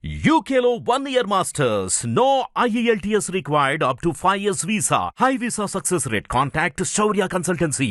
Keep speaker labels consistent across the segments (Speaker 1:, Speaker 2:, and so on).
Speaker 1: UKLO 1 year masters. No IELTS required up to 5 years visa. High visa success rate. Contact Shaurya Consultancy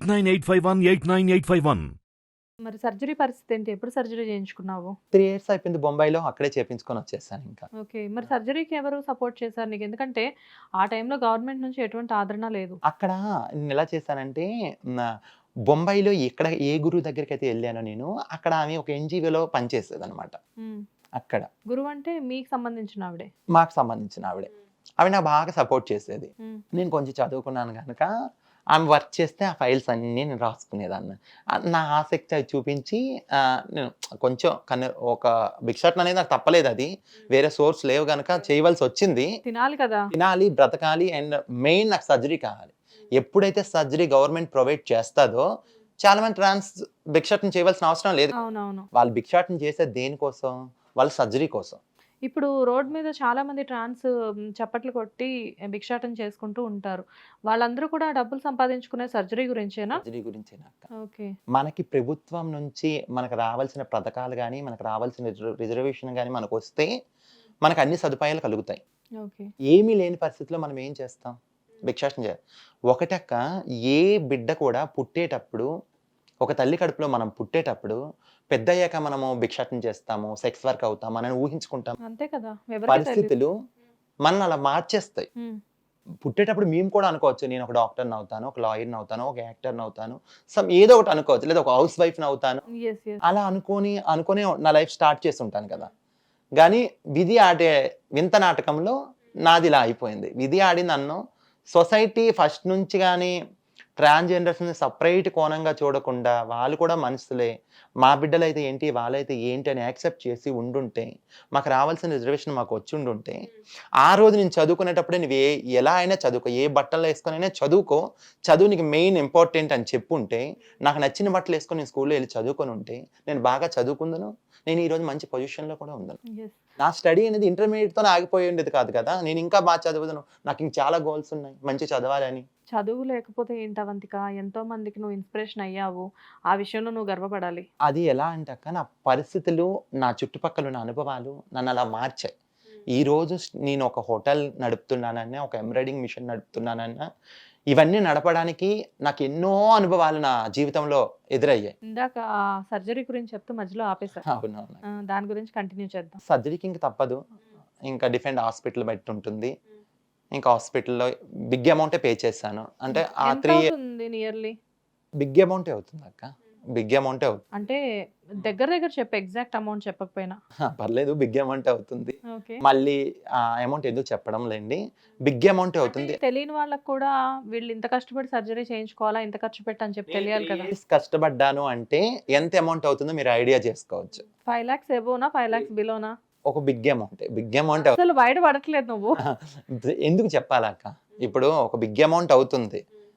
Speaker 1: 8985189851.
Speaker 2: మరి surgery పరిస్థితి ఏంటి? ఎప్పుడు surgery చేయించుకున్నావు?
Speaker 3: 3 years అయిపోయింది బొంబాయిలో. అక్కడే చేపించుకొని వచ్చేసాను ఇంకా.
Speaker 2: ఓకే. మరి సర్జరీకి ఎవరు సపోర్ట్ చేశారు నీకు? ఎందుకంటే ఆ టైంలో గవర్నమెంట్ నుంచి ఎటువంటి ఆదరణ లేదు.
Speaker 3: అక్కడ నేనెలా చేశానంటే నా బొంబాయిలో ఎక్కడ ఏ గురువు దగ్గరికైతే ఎళ్ళానో నేను, అక్కడ ఆమె ఒక ఎన్‌జీఓలో పనిచేసేదనమాట.
Speaker 2: హ్మ్.
Speaker 3: అక్కడ.
Speaker 2: గురువు అంటే మీకు సంబంధించిన ఆవిడే.
Speaker 3: మాకు సంబంధించిన ఆవిడే. ఆవిడ నాకు బాగా సపోర్ట్ చేసేది.
Speaker 2: హ్మ్.
Speaker 3: నేను కొంచెం చదువుకున్నాను గనక, ఆమె వర్క్ చేస్తే ఆ ఫైల్స్ అన్నీ నేను రాసుకునేదాన్ని. నా ఆసక్తి అది చూపించి నేను కొంచెం ఒక భిక్షాటన అనేది నాకు తప్పలేదది. వేరే సోర్స్ లేవు గనక చేయవలసొచ్చింది.
Speaker 2: తినాలి కదా!
Speaker 3: తినాలి, బ్రతకాలి అండ్ మెయిన్ నాకు సర్జరీ కావాలి. ఎప్పుడైతే సర్జరీ గవర్నమెంట్ ప్రొవైడ్ చేస్తాదో చాలా మంది భిక్షాటన చేయవలసిన అవసరం లేదు.
Speaker 2: అవునవును.
Speaker 3: వాళ్ళు భిక్షాటన చేసేది దేనికోసం? వాళ్ళ సర్జరీ కోసం.
Speaker 2: ఇప్పుడు రోడ్ మీద చాలా మంది చప్పట్లు కొట్టి భిక్షాటన చేసుకుంటూ ఉంటారు. వాళ్ళందరూ కూడా డబ్బులు సంపాదించుకునే సర్జరీ గురించేనా?
Speaker 3: సర్జరీ గురించేనక్క.
Speaker 2: ఓకే.
Speaker 3: మనకి ప్రభుత్వం నుంచి మనకు రావాల్సిన పథకాలు గానీ, మనకు రావాల్సిన రిజర్వేషన్ గానీ మనకొస్తే మనకు అన్ని సదుపాయాలు కలుగుతాయి.
Speaker 2: ఓకే.
Speaker 3: ఏమీ లేని పరిస్థితిలో మనం ఏం చేస్తాం? భిక్షాటన చేయాలి. ఒకటక్క, ఏ బిడ్డ కూడా పుట్టేటప్పుడు, ఒక తల్లి కడుపులో మనం పుట్టేటప్పుడు పెద్దయ్యాక మనము భిక్షాటన చేస్తాము, సెక్స్ వర్క్ అవుతాం అని ఊహించుకుంటాం.
Speaker 2: అంతే కదా! ఎవరికీ తెలీదు.
Speaker 3: పరిస్థితులు మనల్ని అలా మార్చేస్తాయి.
Speaker 2: హ్మ్.
Speaker 3: పుట్టేటప్పుడు మేము కూడా అనుకోవచ్చు, నేను ఒక డాక్టర్‌ని అవుతాను, ఒక లాయర్‌ని అవుతాను, ఒక యాక్టర్‌ని అవుతాను, ఏదో ఒకటి అనుకోవచ్చు. లేదా ఒక హౌస్ వైఫ్‌ని అవుతాను.
Speaker 2: యెస్. యెస్.
Speaker 3: అలా అనుకోనే నా లైఫ్ స్టార్ట్ చేసుంటాను కదా! గానీ విధి ఆడే వింత నాటకంలో నాది ఇలా అయిపోయింది. విధి ఆడి నన్ను సొసైటీ ఫస్ట్ నుంచి గానీ ట్రాన్స్‌జెండర్స్‌ని సెపరేట్ కోణంగా చూడకుండా, వాళ్ళు కూడా మనుషులే, మా బిడ్డలైతే ఏంటి, వాళ్ళైతే ఏంటి అని యాక్సెప్ట్ చేసి ఉండుంటే, మాకు రావాల్సిన రిజర్వేషన్ మాకు వచ్చుండుంటే, ఆ రోజు నేను చదువుకునేటప్పుడే నువ్వు ఎలా అయినా చదువుకో, ఏ బట్టలు వేసుకొనైనా చదువుకో, చదువు నీకు మెయిన్ ఇంపార్టెంట్ అని చెప్పుంటే, నాకు నచ్చిన బట్టలు వేసుకొని నేను స్కూల్‌లో ఎళ్లి చదువుకొని ఉంటే, నేను బాగా చదువుకుందును, నేను ఈరోజు మంచి పొజిషన్‌లో కూడా ఉందును.
Speaker 2: యెస్.
Speaker 3: నా స్టడీ అనేది ఇంటర్మీడియేట్‌తోనే ఆగిపోయి ఉండేది కాదు కదా! నేను ఇంకా బాగా చదువుదును. నాకు ఇంక చాలా గోల్స్ ఉన్నాయి. మంచిగా చదవాలని.
Speaker 2: చదువు లేకపోతే ఏంటి అవంతిక? ఎంతో మందికి నువ్వు ఇన్‌స్పిరేషన్ అయ్యావు. ఆ విషయంలో నువ్వు గర్వపడాలి.
Speaker 3: అది ఎలా అంటే అక్క, నా పరిస్థితులు, నా చుట్టుపక్కల ఉన్న అనుభవాలు నన్ను అలా మార్చాయి. ఈరోజు నేను ఒక హోటల్ నడుపుతున్నానన్నా, ఒక ఎంబ్రాయిడరింగ్ మిషన్ నడుపుతున్నానన్నా, ఇవన్నీ నడపడానికి నాకు ఎన్నో అనుభవాలు నా జీవితంలో ఎదురయ్యాయి.
Speaker 2: ఇందాక సర్జరీ గురించి చెప్తూ మధ్యలో ఆపేశా.
Speaker 3: అవునవును.
Speaker 2: దాని గురించి కంటిన్యూ చేద్దాం.
Speaker 3: సర్జరీకి ఇంక తప్పదు. ఇంకా డిఫరెంట్ హాస్పిటల్ బట్టి ఉంటుంది. ఇంకా హాస్పిటల్‌లో బిగ్ అమౌంటే పే చేశాను. అంటే ఆ
Speaker 2: ఎంత
Speaker 3: 3
Speaker 2: అవుతుంది నియర్లీ?
Speaker 3: బిగ్ అమౌంటే అవుతుందక్క. బిగ్ అమౌంటే అవుతుంది.
Speaker 2: అంటే దగ్గర దగ్గర చెప్పు, ఎగ్జాక్ట్ అమౌంట్ చెప్పకపోయినా.
Speaker 3: పర్లేదు, బిగ్ అమౌంటే అవుతుంది.
Speaker 2: ఓకే.
Speaker 3: మళ్ళీ ఆ అమౌంట్ ఎందుకు చెప్పడం లేండి. బిగ్ అమౌంటే అవుతుంది.
Speaker 2: తెలియని వాళ్ళకి కూడా వీళ్ళు ఇంత కష్టపడి సర్జరీ చేయించుకోవాలా, ఇంత ఖర్చు పెట్టి అని చెప్పి తెలియాలి కదా.
Speaker 3: కష్టపడ్డాను అంటే ఎంత అమౌంట్ అవుతుందో మీరు ఐడియా చేసుకోవచ్చు.
Speaker 2: 5 lakhs ఎబోనా, 5 lakhs బిలోనా?
Speaker 3: ఒక బిగ్ అమౌంటే. బిగ్ అమౌంట్
Speaker 2: అసలు బయట పడట్లేదు నువ్వు.
Speaker 3: ఎందుకు చెప్పాలక్క? ఇప్పుడు ఒక బిగ్ అమౌంట్ అవుతుంది.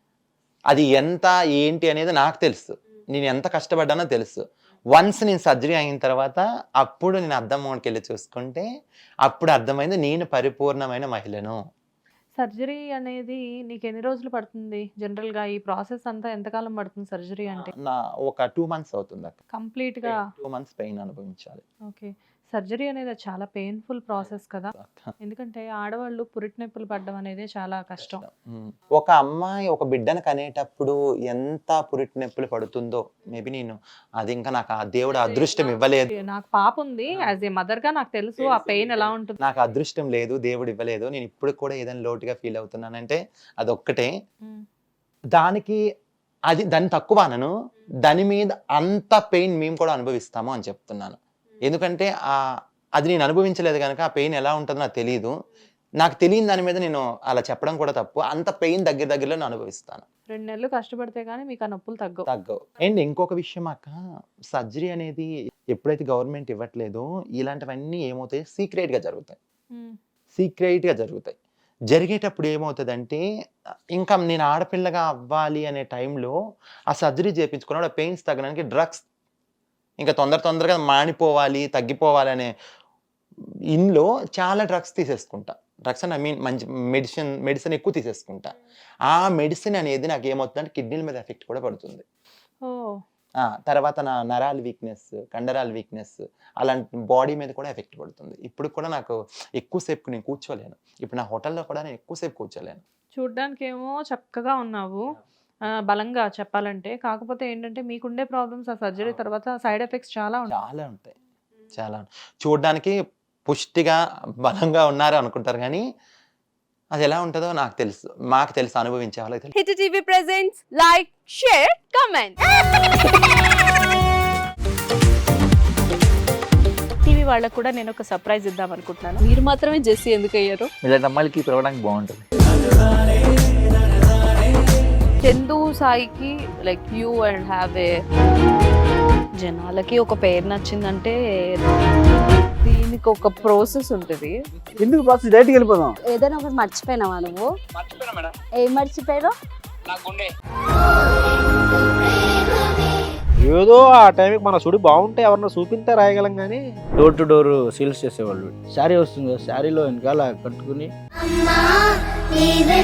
Speaker 3: అది ఎంత ఏంటి అనేది నాకు తెలుసు. నేను ఎంత కష్టపడ్డానో తెలుసు. వన్స్ నేను సర్జరీ అయిన తర్వాత అప్పుడు నేను అద్దంలోకెళ్ళి చూసుకుంటే అప్పుడు అర్థమైంది నేను పరిపూర్ణమైన మహిళను.
Speaker 2: సర్జరీ అనేది నీకు ఎన్ని రోజులు పడుతుంది? జనరల్ గా ఈ ప్రాసెస్ అంతా ఎంతకాలం పడుతుంది సర్జరీ అంటే?
Speaker 3: ఒక 2 మంత్స్ అవుతుందక్క.
Speaker 2: కంప్లీట్ గా.
Speaker 3: 2 మంత్స్ పెయిన్ అనుభవించాలి.
Speaker 2: ఓకే. సర్జరీ అనేది చాలా పెయిన్ఫుల్ ప్రాసెస్ కదా.
Speaker 3: అక్క.
Speaker 2: ఎందుకంటే ఆడవాళ్ళు పురిటి నొప్పులు పడడం అనేది చాలా కష్టం.
Speaker 3: ఒక అమ్మాయి ఒక బిడ్డను కనేటప్పుడు ఎంత పురిటి నొప్పులు పడుతుందో మేబీ అది ఇంకా నాకు ఆ దేవుడు అదృష్టం ఇవ్వలేదు.
Speaker 2: నాకు పాప ఉంది. యాజ్ ఏ మదర్ గా నాకు తెలుసు ఆ పెయిన్ ఎలా ఉంటుంది.
Speaker 3: నాకు అదృష్టం లేదు, దేవుడు ఇవ్వలేదు. నేను ఇప్పుడు కూడా ఏదైనా లోటుగా ఫీల్ అవుతున్నానంటే అదొక్కటే.
Speaker 2: ఉమ్.
Speaker 3: దానికి దాన్ని తక్కువ అనను, దాని మీద అంత పెయిన్ మేము కూడా అనుభవిస్తాము అని చెప్తున్నాను. ఎందుకంటే అది నేను అనుభవించలేదు కనుక ఆ పెయిన్ ఎలా ఉంటుందో నాకు తెలీదు. నాకు తెలియని దాని మీద నేను అలా చెప్పడం కూడా తప్పు. అంత పెయిన్ దగ్గరలో నేను అనుభవిస్తాను.
Speaker 2: 2 నెలలు కష్టపడితే గానీ మీకు ఆ నొప్పులు
Speaker 3: తగ్గవు. అండ్ ఇంకొక విషయం అక్క, సర్జరీ అనేది ఎప్పుడైతే గవర్నమెంట్ ఇవ్వట్లేదో ఇలాంటివన్నీ ఏమవుతాయి, సీక్రెట్‌గా జరుగుతాయి. సీక్రెట్‌గా జరుగుతాయి. జరిగేటప్పుడు ఏమవుతదంటే ఇంకా నేను ఆడపిల్లగా అవ్వాలి అనే టైంలో ఆ సర్జరీ చేపించుకున్నప్పుడు ఆ పెయిన్స్ తగ్గడానికి డ్రగ్స్ ఇంకా తొందరగా మానిపోవాలి, తగ్గిపోవాలి అనే ఇన్‌లో చాలా డ్రగ్స్ తీసేసుకుంటా. డ్రగ్స్ అంటే ఐ మీన్ మంచి మెడిసిన్ ఎక్కువ తీసేసుకుంటా. ఆ మెడిసిన్ అనేది నాకేమవుతుందంటే కిడ్నీల మీద ఎఫెక్ట్ కూడా పడుతుంది.
Speaker 2: ఓహ్!
Speaker 3: తర్వాత నా నరాల వీక్నెస్, కండరాల వీక్నెస్ అలాంటి బాడీ మీద కూడా ఎఫెక్ట్ పడుతుంది. ఇప్పుడు కూడా నాకు ఎక్కువసేపు నేను కూర్చోలేను. ఇప్పుడు నా హోటల్లో కూడా నేను ఎక్కువసేపు కూర్చోలేను.
Speaker 2: చూడ్డానికేమో చక్కగా ఉన్నావు బలంగా చెప్పాలంటే. కాకపోతే ఏంటంటే మీకుండే ప్రాబ్లమ్స్ ఆ సర్జరీ తర్వాత సైడ్ ఎఫెక్ట్స్ చాలా ఉంటాయి.
Speaker 3: చాలా ఉంటాయి. చాలా చూడడానికి పుష్టిగా, బలంగా ఉన్నారు అనుకుంటారు కానీ అది ఎలా ఉంటుందో నాకు తెలుసు. మాకు తెలుసు, అనుభవించే వాళ్ళకి తెలుసు.
Speaker 4: Hit TV presents like, share, comment. TV వాళ్ళకు కూడా నేను ఒక సర్ప్రైజ్ ఇద్దాం అనుకుంటున్నాను. మీరు మాత్రమే జెస్సీ ఎందుకు అయ్యారు?
Speaker 5: ఇలాంటి అమ్మాయిలకి పిలవడానికి బాగుంటుంది.
Speaker 4: చందు సాయికి like you and have a జనాలకి ఒక పేరు నచ్చిందంటే దీనికి ఒక ప్రాసెస్ ఉంటుంది.
Speaker 6: ఎందుకు బాక్స్ డైరెక్ట్కి వెళ్ళిపోదాం.
Speaker 7: ఏదైనా ఒకటి మర్చిపోయినావా నువ్వు? ఏం మర్చిపోయావు?
Speaker 6: ఏదో ఆ టైంకి మన సుడి బాగుంటే ఎవరన్నా చూపిస్తే రాయగలం కానీ డోర్ టు డోర్ సేల్స్ చేసేవాళ్ళు. శారీ వస్తుంది, శారీలో వెనకాల కట్టుకుని